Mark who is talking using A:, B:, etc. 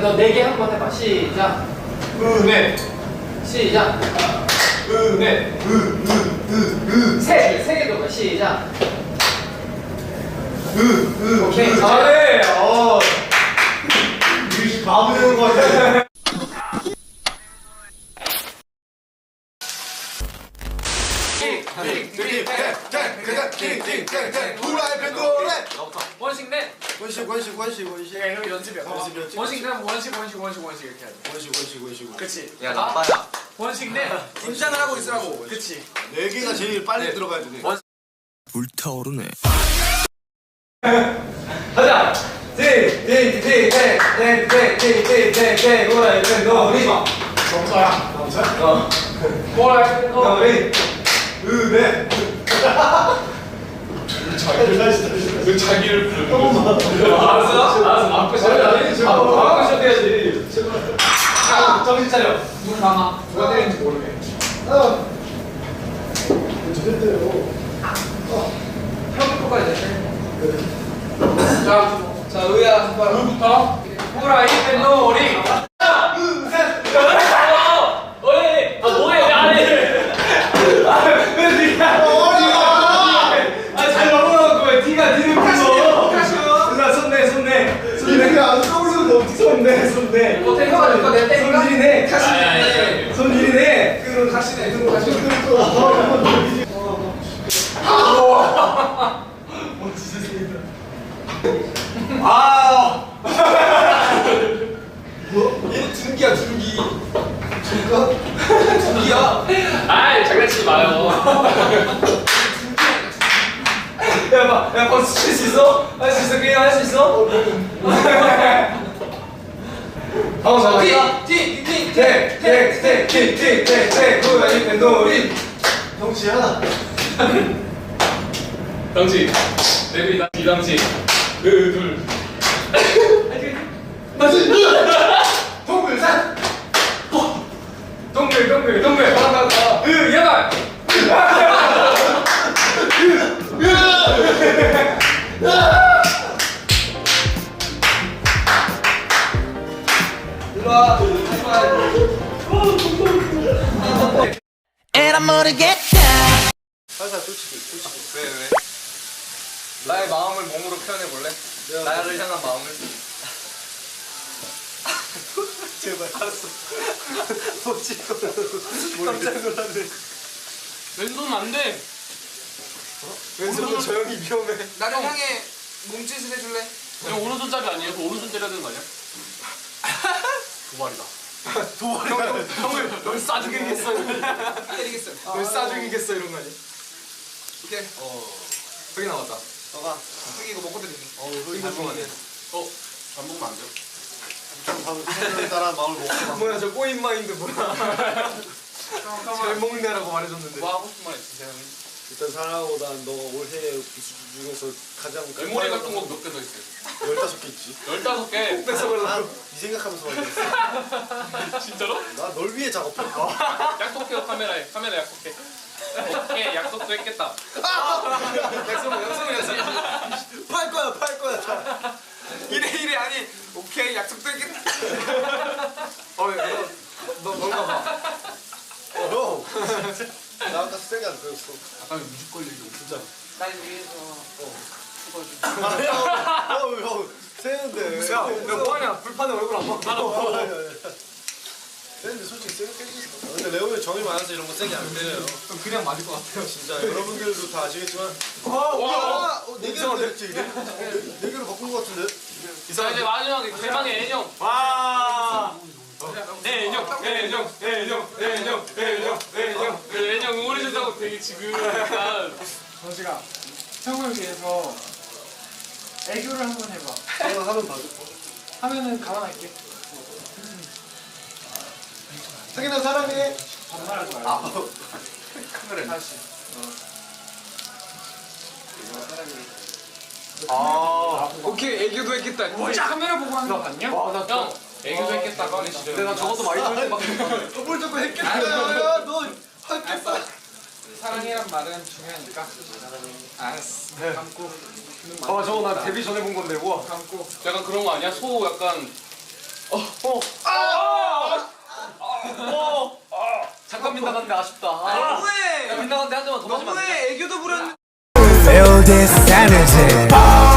A: 너 4개 한번 해봐. 시작.
B: 은혜.
A: 시작.
B: 은혜.
A: 3개 더 가. 시작. 오케이.
B: 잘해. 뮤직 가보는 거 같아. 후라이팬 노래.
A: 원식 내.
B: 원식.
A: 야, 이런 연습이야. 원식 내면 원식 이렇게 해야 돼.
B: 원식.
A: 그치.
C: 야 나빠야.
A: 원식 내.
C: 긴장을 하고 있으라고.
A: 그치.
B: 네 개가 제일 빨리 들어가야 되네.
D: 불타오르네.
A: 가자. 후라이팬 놀이.
B: 정서야.
A: 후라이팬 놀이.
B: 은혜. 왜 자기를 부르는
A: 알았어. 앞에 시작해야지. 앞에 시작해야지. 정신 차려. 눈 감아. 누가 때리는지 모르게. 형이 똑같이 돼. 자, 의야 한번. 누구부터? 후라이팬 놀이. 뭐해? 안 해. 왜 네가? 잘 넘어가고 왜 네가 니를 불러? 나 손내.
B: 이렇게 안 떠오르는데 어떻게 손내.
A: 어떻게 형아 줄까? 내가 때릴까?
B: 손질이네.
A: 아니.
B: 손질이네.
A: 그럼 가시네.
B: 얘 둔기야.
A: 아이 장난치지 마요. 야 벌써 칠 수 있어? 할 수 있어? 그냥 할 수 있어? 후라이팬 놀이.
B: 형씨야.
A: 당신 내비다 이당신 둘 맞지?
B: 동물산.
A: 동글 가 야발 일로와
D: 에라 모르겠다.
B: 살살 솔직히.
C: 왜? 나의 마음을 몸으로 표현해 볼래? 나를 향한 마음을.
B: 제발. 알았어. 깜짝 놀랐네.
A: 왼손 안돼
B: 왼손은 저 형이 위험해.
C: 나를 향해 몸짓을 해줄래?
A: 형 오른손잡이 아니에요? 그 오른손 때려야 되는 거 아니야? 도발이다 형을 널 싸죽이겠어
C: 때리겠어.
B: 널 싸죽이겠어 이런 거 아니야?
C: 오케이.
B: 여기 나왔다.
C: 너가 여기 이거 먹고 때리니.
B: 여기 잘 먹네.
A: 안 먹으면 안 돼요?
B: 참 따라 마음을 먹고. 뭐야 저 꼬인 마인드 뭐야? 잘 먹네라고 말해줬는데.
A: 뭐 하고 싶은 말 있으세요?
E: 일단 사랑하고 난 너가 올해 기수 중에서 가장
A: 메모리 같은 거 몇 개 더 있어요?
E: 15개 있지.
A: 15개?
E: 난네 생각하면서 말했어.
A: 진짜로?
E: 나 널 위해 작업해.
A: 약속해요 카메라에 약속해 오케이 약속도 했겠다
B: 약속은 팔 거야.
C: 이래 아니. 오케이 약속도 했겠다.
B: 너 뭔가 봐.
E: 형. 나 아까 세게 안 들었어.
A: 아까 뮤직 걸리고
E: 진짜.
A: 날 위해서
E: 아니야. 형 세는데.
B: 야, 너 뭐하냐? 불판에 얼굴 안 봐.
E: 세는데 솔직히 세게 때리지. 근데 레오는 정이 많아서 이런 거 세게 안 때려요.
B: 그냥 맞을 것 같아요.
E: 진짜 여러분들도 다 아시겠지만. 네 개로 됐지. 네 개로 바꾼 거 같은데.
A: 자 이제 마지막에 대망의 애정
B: 와.
A: 애정 응원해준다고 되게 지금 약간
F: 정식아, 형을 위해서 애교를 한번 해봐.
E: 하면 봐줘.
F: 하면은 가만할게.
E: 상인아 사랑해.
F: 반말하지 말고.
C: 카메라.
F: 다시.
B: 오케이 애교도 했겠다.
F: 진짜 카메라 보고 하는 거 봤냐?
A: 형 애교도 했겠다 꺼내 싫어
B: 근데 나 적어도 많이 들었는데. 뭘 자꾸 했겠다. 야, 너 했겠다.
F: 사랑이란 말은 중요하니까. 알았어. 감고.
B: 저거 나 데뷔 전에 본 건데. 우와.
F: 감고.
A: 약간 그런 거 아니야? 소 약간
C: 잠깐 빗나갔는데 아쉽다.
B: 너무해.
C: 야, 빗나갔는데 한 점만 더 맞으면 안 돼?
B: 너무해. 애교도 부렸는데.
D: Feel this energy